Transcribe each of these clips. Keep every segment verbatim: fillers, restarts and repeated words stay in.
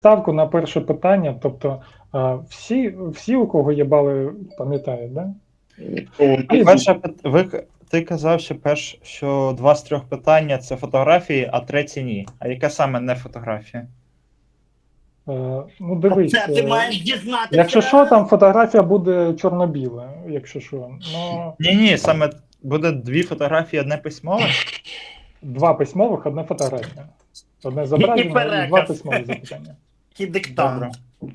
ставку на перше питання, тобто а, всі, всі, у кого є бали, пам'ятають, да? А перше, пит- ви, ти казав, що перш, що два з трьох питання це фотографії, а третє ні. А яке саме не фотографія? Е, ну, дивись, Це ти е, маєш дізнатися. якщо що, там фотографія буде чорно-біла, якщо що. Ну, Ні, ні, саме буде дві фотографії, одне письмове. два письмових, одна фотографія. Одне І зображення і два переказ. письмові запитання. І диктант.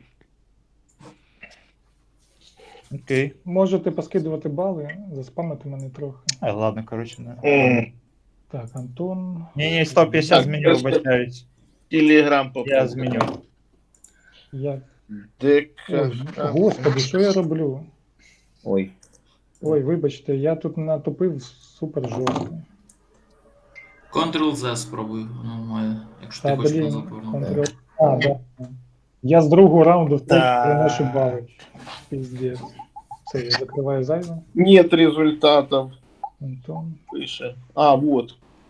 Окей. Можете поскидувати бали, заспамити мене трохи. А, ладно, коротше, не. Так, Антон. Ні, ні, сто п'ятдесят Так, зміню, просто- вибачаюсь. Телеграм Я зміню. Я... ДК. Ой, господи, що я роблю? Ой. Ой, вибачте, я тут натопив супер жорстко. Ctrl-Z спробуй, воно має, якщо ти Та, хочеш блін, назад повернути. Ctrl. А, да. Я з другого раунду втек Да. приношу бали. Піздець. Все, я закриваю зайве. Нет результатов. Антон. Пише. А, вот.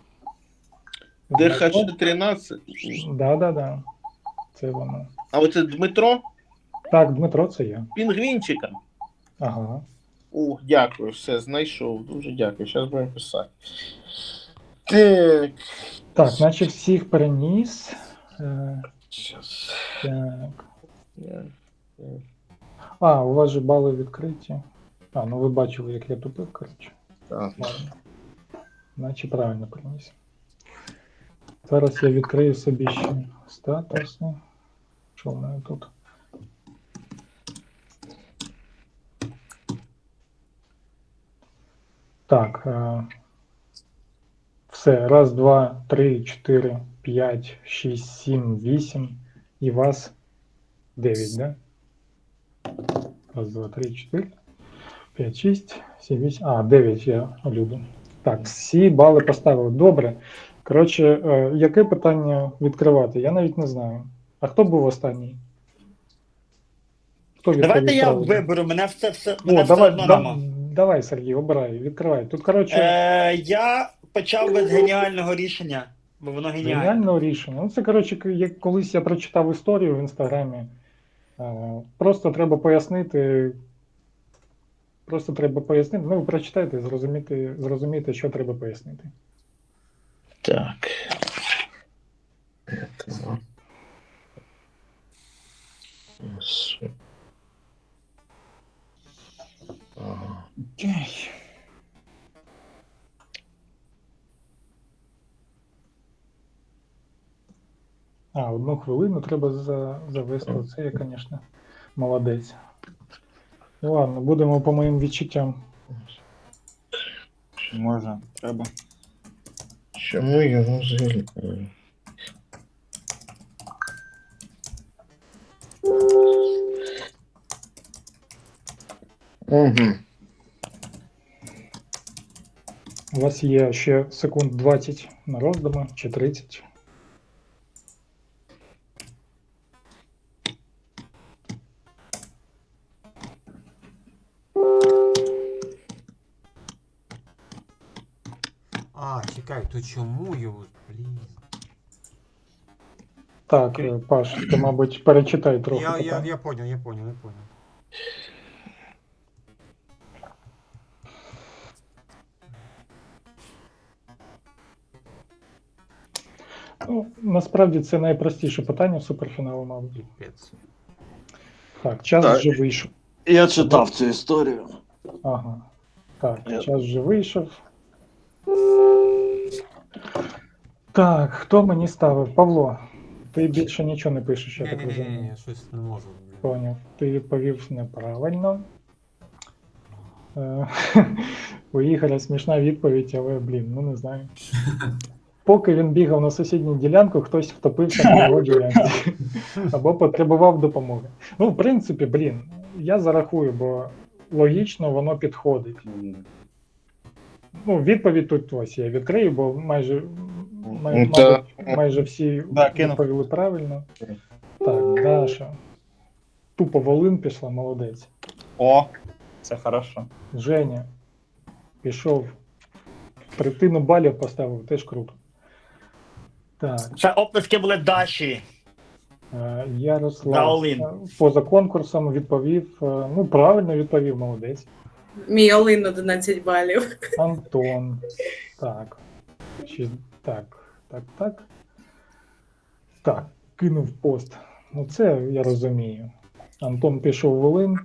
ДХ тринадцять. Да, да, да. Це воно. А оце Дмитро Так, Дмитро, це я. Пінгвінчика. Ага. О, дякую, все, знайшов. Дуже дякую. Зараз будемо писати. Так. Так, наче всіх переніс. Е, Щас. так. Я- А, у вас же бали відкриті. А, ну ви бачили, як я тупив, коротше. Так. Ладно. Наче правильно приніс. Зараз я відкрию собі ще статуси. Що в мене тут? Так. Е, все. Раз, два, три, чотири, п'ять, шість, сім, вісім. І вас дев'ять, да? Раз, два, три, чотири, п'ять, шість, сім, вісім. А, дев'ять я люблю. Так, всі бали поставили. Добре. Коротше, е, яке питання відкривати? Я навіть не знаю. А хто був останній? Хто Давайте відповів я правильно? виберу, мене все, все, мене О, все давай, одно да, нема. давай, Сергій, обирай, відкривай. Тут, коротше, Е, я почав без геніального рішення, бо воно геніальне. геніального рішення. Ну, це, коротше, к- як колись я прочитав історію в інстаграмі. Е, Просто треба пояснити. Просто треба пояснити. Ну, ви прочитайте, зрозуміти, зрозуміти, що треба пояснити. Так. Ага. Окей. А, одну хвилину треба за, завести. Це я, звісно, молодець. Ну ладно, будемо по моїм відчуттям. Можна, треба. Чому його взагалі? Угу. У вас є ще секунд двадцять на роздуми чи тридцять. А, чекай, то чому його, блін? Так, е, Паш, ти, мабуть, перечитай трохи Я, я, питання. я понял, я понял, я понял. Ну, насправді це найпростіше питання в суперфіналу, мабуть. Піпець. Так, час Так. вже вийшов. Я читав цю історію. Ага. Так, Я- час вже вийшов. Так, хто мені ставив? Павло, ти більше нічого не пишеш, я так Ні-ні-ні, розумію. щось не можу. блін. Поняв. Ти відповів неправильно. Е, У Ігоря смішна відповідь, але, блін, ну не знаю. Поки він бігав на сусідню ділянку, хтось втопився на його ділянці. Або потребував допомоги. Ну, в принципі, блін, я зарахую, бо логічно воно підходить. Ну, відповідь тут ось я відкрию, бо майже, май, Ну, та- мабуть, майже всі Да, кинув. відповіли правильно. Так, Даша. Тупо Волин пішла, молодець. О, це хорошо. Женя пішов. Третину балів поставив, теж круто. Так, Це оплески були Даші. Е, За Ярослав Олин. е, поза конкурсом відповів, е, ну правильно відповів, молодець. Мій Олин одинадцять балів. Антон. Так. Шість- Так, так, так. Так, кинув пост. Ну це я розумію. Антон пішов в Волин.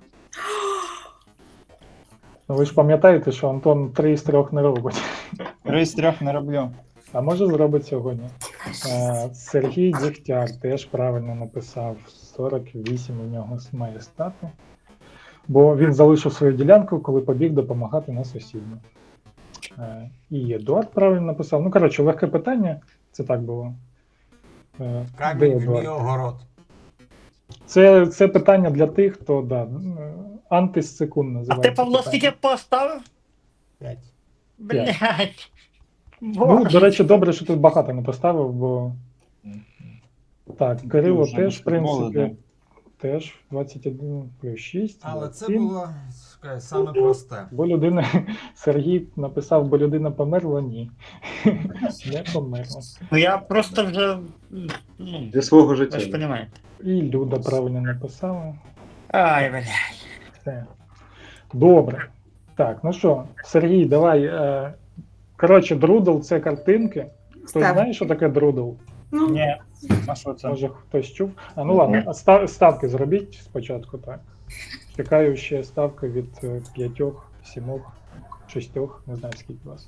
Ну, ви ж пам'ятаєте, що Антон три з трьох не робить. Три з трьох не роблю. А може зробить сьогодні. Е, Сергій Дігтяр теж правильно написав. сорок вісім у нього має стати. Бо він залишив свою ділянку, коли побіг допомагати на сусідню. Е, І Едуард правильно написав. Ну, коротше, легке питання. Це так було. Е, де Камінь в Едуард? мій огород. Це, це питання для тих, хто да, е, антисекунд А називається. ти, Павло, питання. скільки поставив? П'ять. Блять. Ну, до речі, добре, що ти багато не поставив, бо. Так, Кирило вже теж, в баскетболи, принципі, теж двадцять один плюс шість. Але це двадцять сім. було скажи, саме просте. Бо людина, Сергій написав, бо людина померла, ні. Не померла. Ну я просто вже. Ну, Для свого ви ж життя. розумієте. І Люда правильно написала. Ай, блядь. Все. Добре. Так, ну що, Сергій, давай. Е, коротше, друдл це картинки. Хтось Став. знає, що таке друдл? Ну, Ні. А що це? Може хтось чув? А ну ладно, а ста- ставки зробіть спочатку, так. Чекаю ще ставки від е, п'ятьох, сімох, шістьох, не знаю скільки у вас.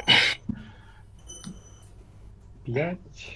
П'ять.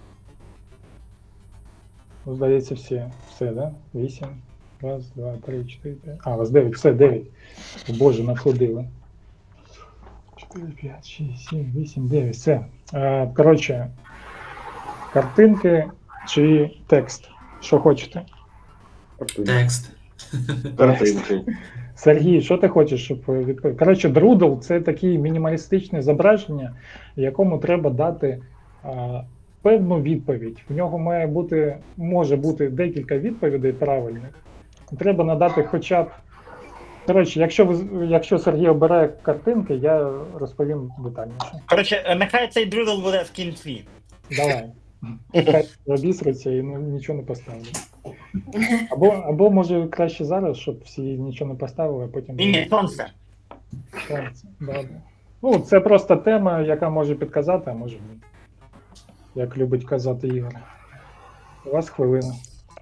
Ну, здається, всі. Все, да? Вісім. Раз, два, три, чотири, п'ять. А, у вас дев'ять, все, дев'ять. О, Боже, находили. Чотири, п'ять, шість, сім, вісім, дев'ять. Все. Е, коротше, картинки чи текст? Що хочете? Текст. Картинки. Сергій, що ти хочеш, щоб відповів? Коротше, друдл це таке мінімалістичне зображення, якому треба дати а, певну відповідь. В нього має бути, може бути декілька відповідей правильних. Треба надати хоча б. Коротше, якщо ви якщо Сергій обирає картинки, я розповім детальніше. Коротше, е, нехай цей друдл буде в кінці. Давай. Хай обісруться і ну, нічого не поставлять. Або, або може краще зараз, щоб всі нічого не поставили, а потім. Ні, ні, сонце. Сонце, добре. Ну, це просто тема, яка може підказати, а може ні. Як любить казати Ігор. У вас хвилина.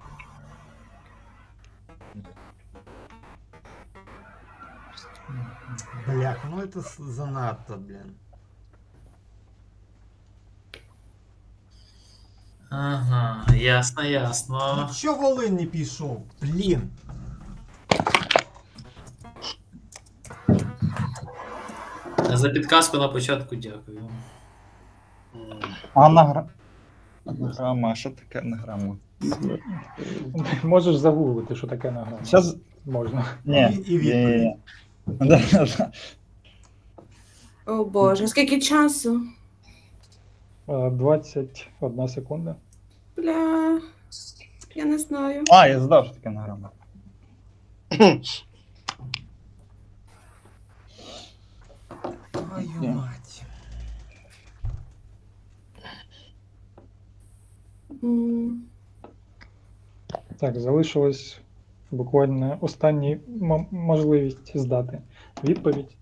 Бляха, ну це с- занадто, блін. Ага, ясно, ясно. Ну чо Волин не пішов? Блін. За підказку на початку дякую. Анагра... Анаграма, а що таке анаграма? Можеш загуглити, що таке награма. Щас... Можна. Ні. І- і відповідь. Да-да-да. о Боже, скільки часу? Е, двадцять одна секунда. Бля. Я не знаю. А, я задав, що таке анаграма. Твою Ні. мать. М, Так, залишилось буквально останній м- можливість здати відповідь.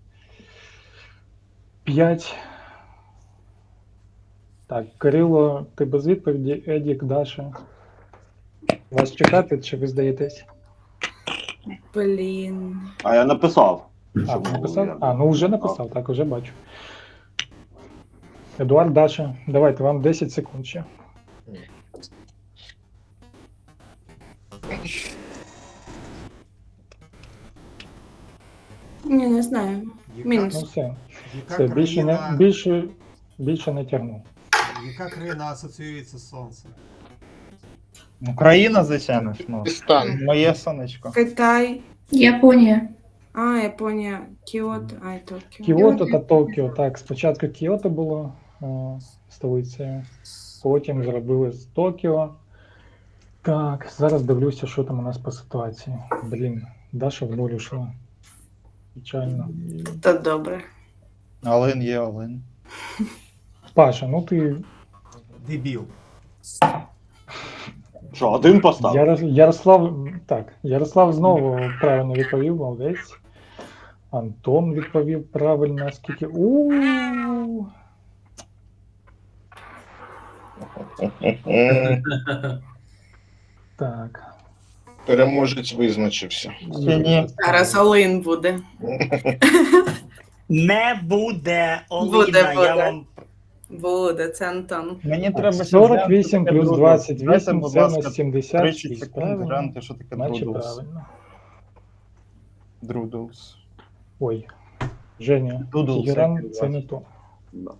П'ять. Так, Кирило, ти без відповіді, Едік, Даша. Вас чекати, чи ви здаєтесь? Блін. А я написав. А, Щоб було написав? ясно. А, ну вже написав, так, вже бачу. Едуард, Даша, давайте, вам десять секунд ще. Ні, не знаю. Яка, Мінус. Ну все, яка, все, більше країна, не, більше, більше не тягну. яка країна асоціюється з сонцем? Україна, звичайно ж, ну. Пакистан. Моє сонечко. Китай. Японія. А, Японія. Кіото. Ай, Токіо. Кіото та Токіо. Так, спочатку Кіото було е, столицею, потім зробили з Токіо. Так, зараз дивлюся, що там у нас по ситуації. Блін, Даша в нуль ушла. Печально. Та добре. Олен є Олен. Паша, ну ти Дебіл. Що, один постав? Яро- Ярослав, так, Ярослав знову правильно відповів, молодець. Антон відповів правильно, скільки. У М, так. Переможець визначився. Ще ні. Зараз Олин буде. Не буде Оліна, Буде, я буде. вам. Буде, це Антон. Мені треба ще сорок глянути, вісім що таке плюс друдл. двадцять Дайте, вісім будь це у ласка, нас сімдесят тридцять шість. секунд Правильно? глянути, що таке Наче друдлс. правильно. Друдлс. Ой, Женя, Doodle, Тегеран, всякий це не то. Да.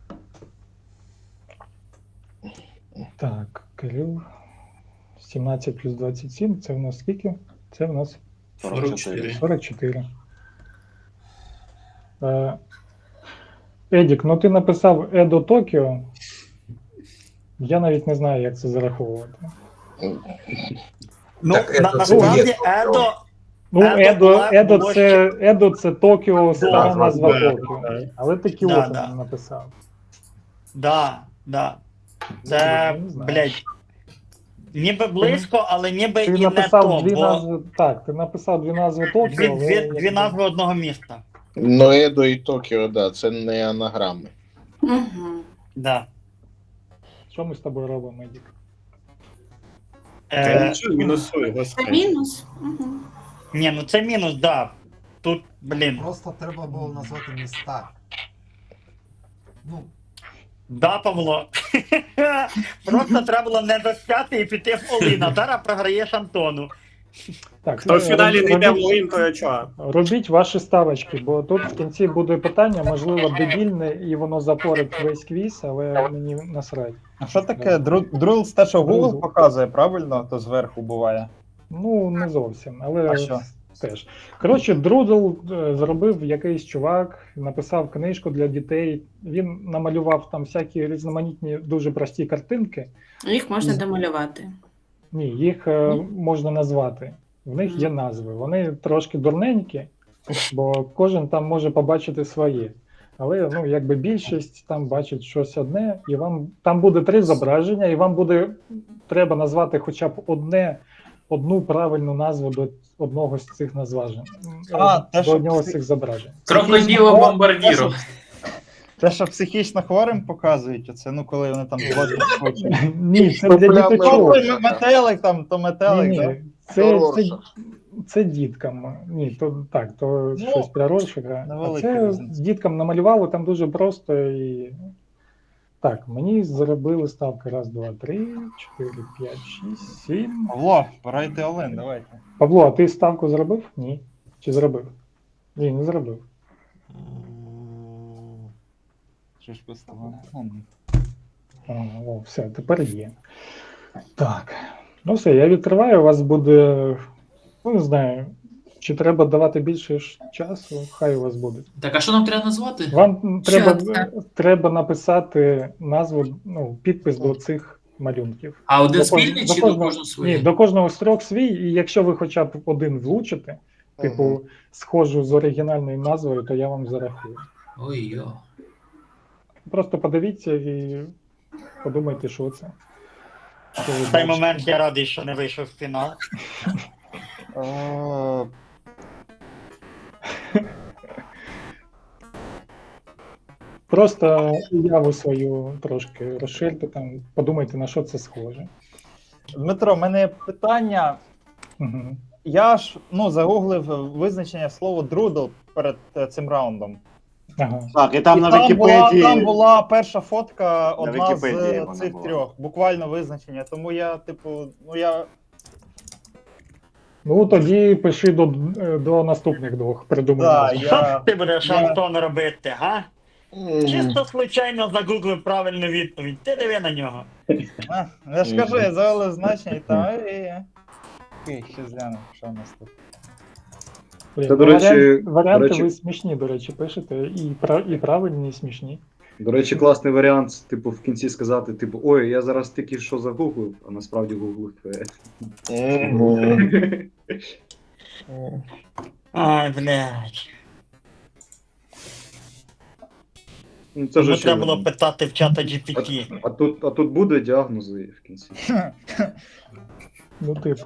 Так, Кирил. сімнадцять плюс двадцять сім, це в нас скільки? Це в нас сорок чотири. сорок чотири. Е, Едік, ну ти написав Едо Токіо. Я навіть не знаю, як це зараховувати. Ну, Так, на, Едо насправді, це є. Едо. Ну, Едо Едо, була- Едо, було це, Едо це Токіо, стара Да, назва да, Токіо. да. Але ти Да, Кіото да. не написав. Да, да. Це, Не знаю. блядь. Ніби близько, але ніби Ти і не написав то, дві бо назви. Так, ти написав дві назви Токіо. дві, але дві, якби- дві назви одного міста. Ну, Едо і Токіо, да, це не анаграми. Угу. Да. Що ми з тобою робимо, Едік? Та Е, нічого, мінусуй, Це господи. мінус. Угу. ні, ну це мінус, да. Тут, блін. Просто треба було назвати міста. Ну, Да, Павло. Просто треба було не достати і піти в Оліна. Зараз програєш Антону. Так, Хто в е, фіналі не йде в робіть- Луїн, то чого? Робіть ваші ставочки, бо тут в кінці буде питання, можливо, дебільне, і воно запорить весь квіз, але мені насрать. А що таке друдлс? Те, що Google Doodle. показує, правильно? То зверху буває. Ну, не зовсім, але А що? теж. Коротше, Друдл е, зробив якийсь чувак, написав книжку для дітей. Він намалював там всякі різноманітні, дуже прості картинки. Їх можна домалювати. Ні, їх е, можна назвати. В них є назви. Вони трошки дурненькі, бо кожен там може побачити своє. Але ну, якби більшість там бачить щось одне, і вам там буде три зображення, і вам буде треба назвати хоча б одне, одну правильну назву до одного з цих назважень. А, Е, те, до що одного з всі- цих зображень. Крокоділо бомбардіро. Те, що психічно хворим показують, оце, ну коли вони там злочить хочуть. Ні, це для Проблеми. Ну, діточок. той метелик там, то Ні, метелик, так? ні, це, це, Хороша. це діткам. Ні, то так, то Ну, щось про Роршаха. А невелика це різниця. діткам намалювали там дуже просто і. Так, мені зробили ставки раз, два, три, чотири, п'ять, шість, сім. Павло, пора йти Олен, давайте. Павло, а ти ставку зробив? Ні. Чи зробив? Ні, не зробив. Що ж поставили? Ну, А, о, все, тепер є. Так. Ну все, я відкриваю, у вас буде. Ну, не знаю, чи треба давати більше ж часу, хай у вас буде. Так, а що нам треба назвати? Вам треба, це? треба написати назву, ну, підпис до цих малюнків. А один До кож- спільний до чи до кожного- кожного своє? Ні, до кожного з трьох свій, і якщо ви хоча б один влучите, типу, Мгм. схожу з оригінальною назвою, то я вам зарахую. Ой йо. Просто подивіться і подумайте, що це. Що ви В цей бачите. момент я радий, що не вийшов в фінал. Е, Просто уяву свою трошки розширте, там, подумайте, на що це схоже. Дмитро, в мене є питання. Угу. Я ж ну, загуглив визначення слова друдл перед е, цим раундом. Ага. Так, і там І на там, була, Вікіпедії. там була перша фотка, одна Вікіпедії з вона цих була. трьох, буквально визначення. Тому я, типу, ну я. Ну тоді пиши до, до наступних двох придумай. Да, назву. Що я ти будеш, я- Антон, робити, га? М, Чисто случайно загуглив правильну відповідь. Ти диви на нього. а, я ж кажу, я завели значення і там. і- і- Окей, ще зглянемо, що у нас тут. Блін, Це, до ну, речі- варіант- варіанти до речі- ви смішні, до речі, пишете. І, прав, і правильні, і смішні. До речі, класний варіант, типу, в кінці сказати, типу, ой, я зараз тільки що загуглив, а насправді гуглив твоє. мгм. Ай, блядь. Ну, це Тому ж треба очевидно. було питати в чата джі пі ті. А тут, а тут буде діагнози в кінці. Ну, типу.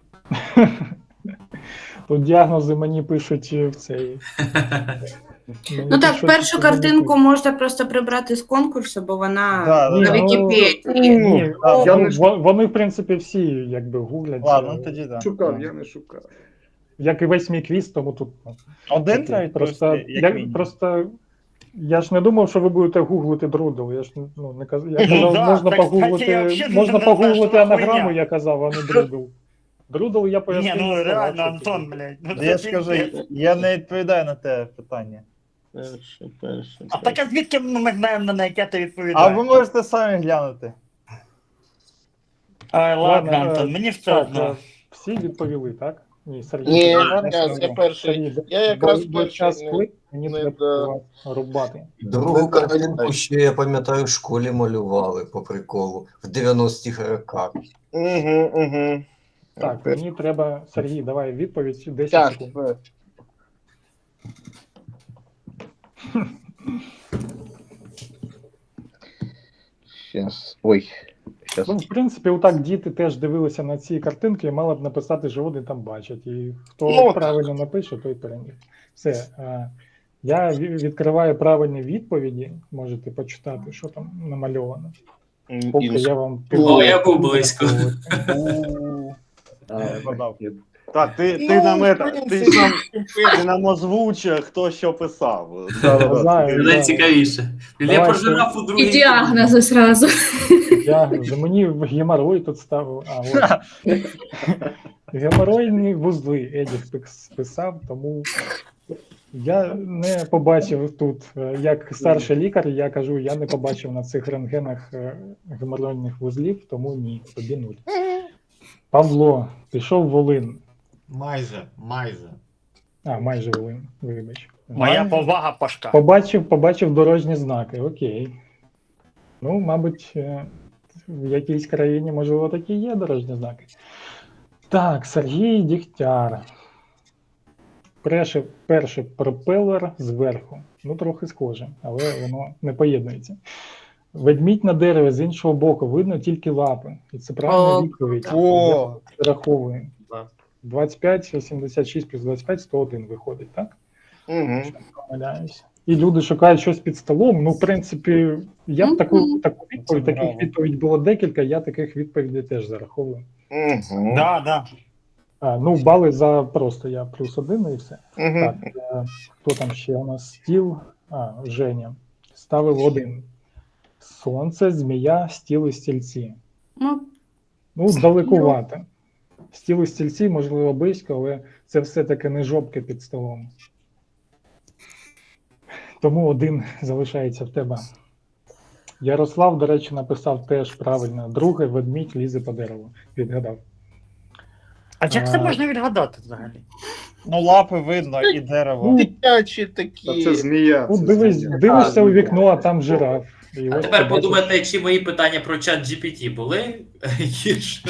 Тут діагнози мені пишуть в цей. Мені Ну так, пишуть, першу що картинку можна просто прибрати з конкурсу, бо вона Да, Ні, на да. ну, Вікіпедії. Ні, А, я я не не ж- вони, в принципі, всі якби гуглять. Ладно, е, ну тоді так. Шукав, я не шукав. Як і весь мій квіз, тому тут. ну, Один таке. треба просто, відповісти, як я, мінімум. просто я ж не думав, що ви будете гуглити друдл. Я ж ну, не каз... я Ну казав, да, можна так, кстати, погуглити, я взагалі можна не знаю, погуглити що за анаграму, хуйня. я казав, а не друдл. Друдл я Ні, пояснив. ну не реально, сказав, що Антон, це. блядь. Ну, Я це ж кажу, пиздець. я не відповідаю на те питання. Перше, перше. А так а звідки ми знаємо, на яке ти А ви відповідаєш? можете самі глянути. Ай, ладно, Ладно, Антон, е, мені все Так, одно. е, всі відповіли, так? Ні, Сергій. Ні, ти я, не я сказав. перший. Сергій, Я якраз бо- бо перший час не- плив, мені не треба до- вас рубати. Другу Не картинку доганяй. ще, я пам'ятаю, в школі малювали по приколу в дев'яностих роках. Угу, угу. Так, мені треба, Сергій, давай відповідь десять секунд. Тяжко. Щас. Ой. Щас. Ну, в принципі, отак діти теж дивилися на ці картинки і мали б написати, що вони там бачать. І хто Ну, правильно напише, той переміг. Все. е, Я ві- відкриваю правильні відповіді. Можете почитати, що там намальовано. М, Поки інс- я вам О, я був близько. Подав. Так, ти, ти, Ну, нам, в это, ти, принципі, ж нам, ти нам озвучив, хто що писав. Знаю, Це да. найцікавіше. Я Давай, про що- жирафу І другий. діагнози зразу. Діагнози. Мені в геморой тут ставив. А, от. Геморойні вузли Едік пис- писав, тому я не побачив тут, е, як старший лікар, я кажу, я не побачив на цих рентгенах е, геморойних вузлів, тому ні, тобі нуль. Павло, пішов Волин. Майже, майже. А, майже Волин, вибач. Моя повага, Пашка. Побачив, побачив дорожні знаки, окей. Ну, мабуть, е, в якійсь країні, можливо, такі є дорожні знаки. Так, Сергій Дігтяр. Перший, перший пропелер зверху. Ну, трохи схоже, але воно не поєднується. Ведмідь на дереві з іншого боку, видно тільки лапи. І це правильна О, відповідь. О, Я раховую. Да. двадцять п'ять, сімдесят шість плюс двадцять п'ять, сто один виходить, так? Угу. Якщо не помиляюсь. І люди шукають щось під столом. Ну, в принципі, я б таку, Мгм. таку відповідь, Це таких браво. відповідей було декілька, я таких відповідей теж зараховую. Угу. Да, да. А, ну, бали за просто я плюс один і все. Угу. Так, е, хто там ще у нас стіл? А, Женя. Ставив один. Сонце, змія, стіл і стільці. Ну, Ну, далекувато. Стіл і стільці, можливо, близько, але це все-таки не жопки під столом. Тому один залишається в тебе. Ярослав, до речі, написав теж правильно. Друге, ведмідь лізе по дереву. Відгадав. А як це А. можна відгадати взагалі? ну лапи видно і дерево. Ну, Дитячі Та такі. це змія. ну це дивись, змія. дивишся у вікно, а там жираф. І А ось тепер ти бачиш- подумайте, чи мої питання про чат джі пі ті були гірше.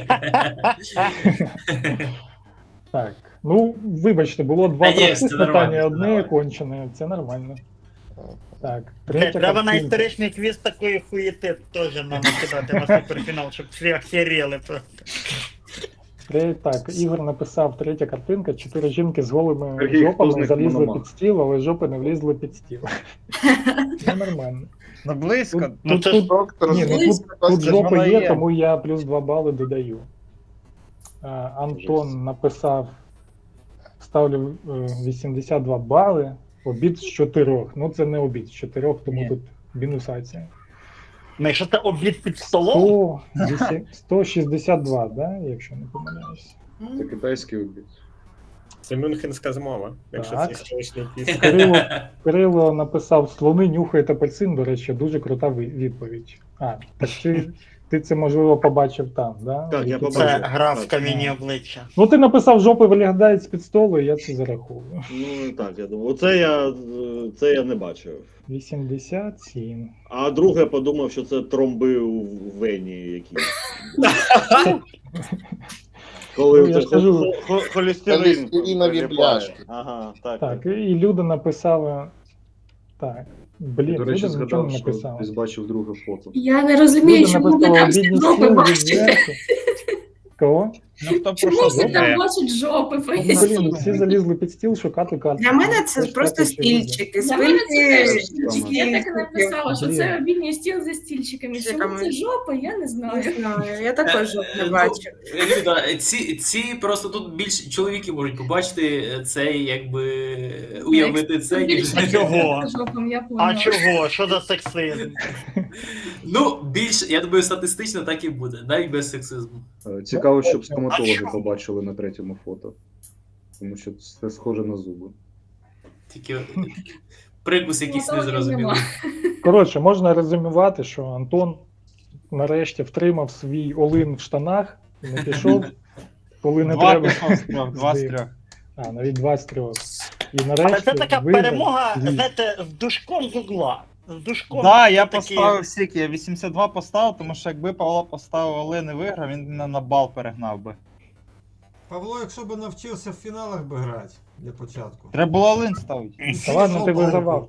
Так. Ну, вибачте, було два Та ні, простих це питання, нормально, це одне нормально. кончене. Це нормально. Так, Блядь, третя треба на картинка. історичний квіз такої хуєти теж нам накидати на суперфінал, щоб всі охеріли просто. Тре- Так, Ігор написав третя картинка, чотири жінки з голими Сергій, хто з жопами них залізли Мономах? під стіл, але жопи не влізли під стіл. Це нормально. Ну близько. Тут, Ну, тут, це ж тут, Доктор, ні, ну, Злис, тут, тут це ж жопи вона є, є. тому я плюс два бали додаю. А, Антон написав, ставлю е, вісімдесят два бали, обід з чотирьох. Ну це не обід з чотирьох, тому Ні. тут мінусація. Ну, якщо це обід під столом, сто, вісім- сто шістдесят два, да, якщо не помиляюсь. Це китайський обід. Це мюнхенська змова, якщо Так. це історичний квіз. Кирило, Кирило написав: слони нюхають апельсин, до речі, дуже крута ви- відповідь. А, так ти, ти це можливо побачив там, да? Так, я Вікіпедії? це побачив. гра в Так. камінні обличчя. Ну ти написав, жопи виглядають з-під столу, і я це зараховую. Ну так, я думаю. Оце я, це я не бачив. вісімдесят сім. А друге подумав, що це тромби у вені якісь. Коли Ну, я це ж кажу, хо- хо- холестерин. холестеринові прилипає. бляшки. Ага, так. Так, і люди написали. Так, Блін, До речі, люди нічого не згадав, що написали. десь бачив друге фото. Я не розумію, Люди чому ви написали там всі обідні жопи стіл, бачите. відверто. Кого? Ну хто про Чому що всі там думає? бачать жопи? Ну, поясніть? блін, всі залізли під стіл шукати карти. Для мене це Тож просто так, очевидно. стільчики. Для мене це Спинки. теж стільчики. Я так і написала, що Блін. це обідній стіл за стільчиками. Чому Стільчиками. це жопа, я не знаю. Не знаю, я також жоп не Е, бачу. ну, Люда, ці, ці просто тут більше чоловіки можуть побачити цей, якби уявити це, ніж. А чого? Жопам, я А поняла. чого? Що за сексизм? Ну, більш, я думаю, статистично так і буде, навіть без сексизму. Е, Цікаво, щоб А стоматологи що? побачили на третьому фото. Тому що це схоже на зуби. Тільки прикус якийсь незрозумілий. Нема. Коротше, можна резюмувати, що Антон нарешті втримав свій олин в штанах і не пішов, коли не Два треба. пішов з трьох, два з трьох. А, навіть два з трьох. І Але нарешті це така виграв перемога, звіт. знаєте, з душком з угла. З душком. Да, я такі- поставив скільки, я вісімдесят два поставив, тому що якби Павло поставив Олен і виграв, він мене на бал перегнав би. Павло, якщо б навчився в фіналах би грати для початку. Треба було Олен ставити. Та ладно, ти вигравав.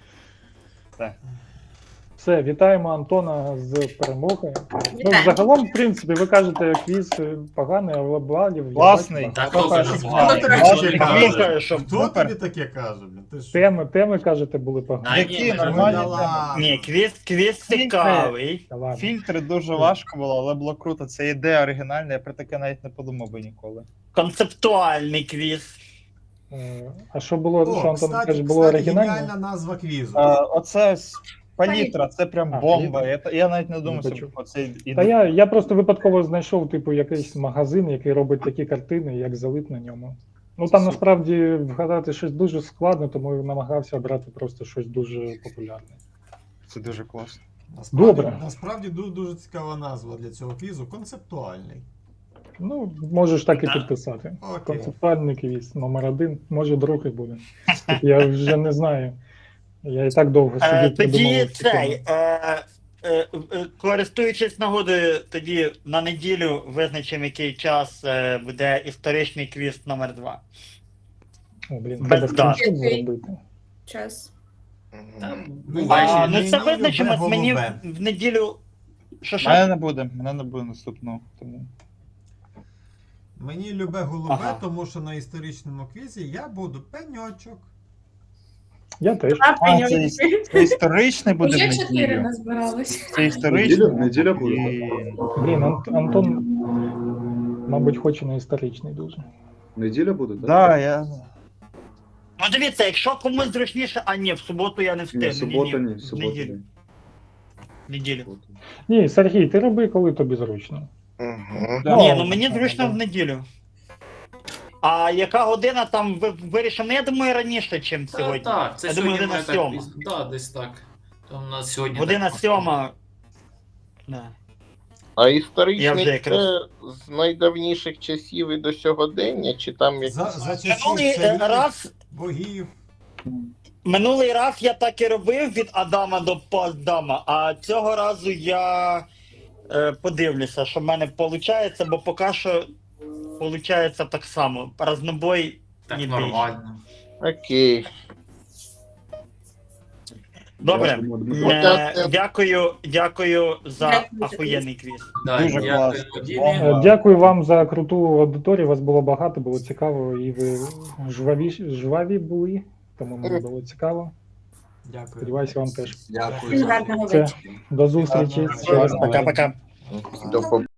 Так. Все, вітаємо Антона з перемогою. Ну, Вітаю. загалом, в принципі, ви кажете, квіз е, поганий, але балів я Класний. бачу Так, багато. хто Хто каже, каже, звали? класний, Хто класний. каже? Слухаю, що Хто Супер. тобі таке каже, блін? Ти що? Теми, теми, кажете, були А, погані. ні, Які ми нормальні Да теми. ладно. Ні, квіз, квіз цікавий. Та ладно. Фільтри дуже важко було, але було круто. Це ідея оригінальна, я про таке навіть не подумав би ніколи. Концептуальний квіз. Е, А що було, що О, Антон кстати, каже, було кстати, оригінально? геніальна назва квізу. А, оце ось палітра, це прям А, бомба. Я, я навіть не думав, Не що почув. оце Та я, я просто випадково знайшов, типу, якийсь магазин, який робить такі картини, як залит на ньому. Ну там насправді вгадати щось дуже складно, тому я намагався обрати просто щось дуже популярне. Це дуже класно. Насправді, добре. Насправді дуже, дуже цікава назва для цього квізу. Концептуальний. Ну, можеш так і Да. підписати. Окей. Концептуальний квіз, номер один, може другий буде. Так я вже не знаю. Я і так довго Е, сидів, тоді придумував ці цей, теми. е, е, е, користуючись нагодою, тоді на неділю визначимо, який час е, буде історичний квіз номер два. О, блін, без треба дат. скріншот зробити. Час. Там Ну, буває. А, Мені ну це любе визначимо мені в, голубе. в неділю. Що що? Мене не буде, мене не буде наступного. Тому. Мені любе голубе, Ага. тому що на історичному квізі я буду пеньочок. Я теж. А, А, це, прийняли. іс- це історичний буде Уже в чотири неділю. назбиралось. Це історичний. Неділя- неділя буде. Блін. Блін, Ан- Антон, мабуть, хоче на історичний дуже. Неділя буде, так? Да, я... Ну дивіться, якщо комусь зручніше, а ні, в суботу я не Ні, встигну. субота ні, в субота неділю. ні. Неділю. Субота. Ні, Сергій, ти роби, коли тобі зручно. Угу. Да. Ні, ну мені да, зручно да. в неділю. А яка година там ви вирішимо? Ну я думаю раніше, ніж Та, сьогодні. так, це Я думаю, сьогодні година має так сьома. пізно. Да, десь так. Там у нас сьогодні. Година так. сьома. Да. А Я історичний вже якраз- це з найдавніших часів і до сьогодення, чи там якісь... За, за часів Минулий е, царів, раз, богів. минулий раз я так і робив від Адама до постдама, а цього разу я е, подивлюся, що в мене виходить, бо поки що виходить так само. Разнобой Так ніде. нормально. Окей. Добре. Дякуємо, Дмитро. Е, дякую, дякую за Дякую. ахуєнний квіз. Да, Дуже дякую, класно. Дімі. Е, Дякую вам за круту аудиторію. Вас було багато, було цікаво, і ви жваві, жваві були, тому мені було цікаво. Дякую. Сподіваюся, вам теж. Дякую. Всім гарного Все. вечора. До зустрічі. Гарного Щасливо. Пока-пока. До побачення.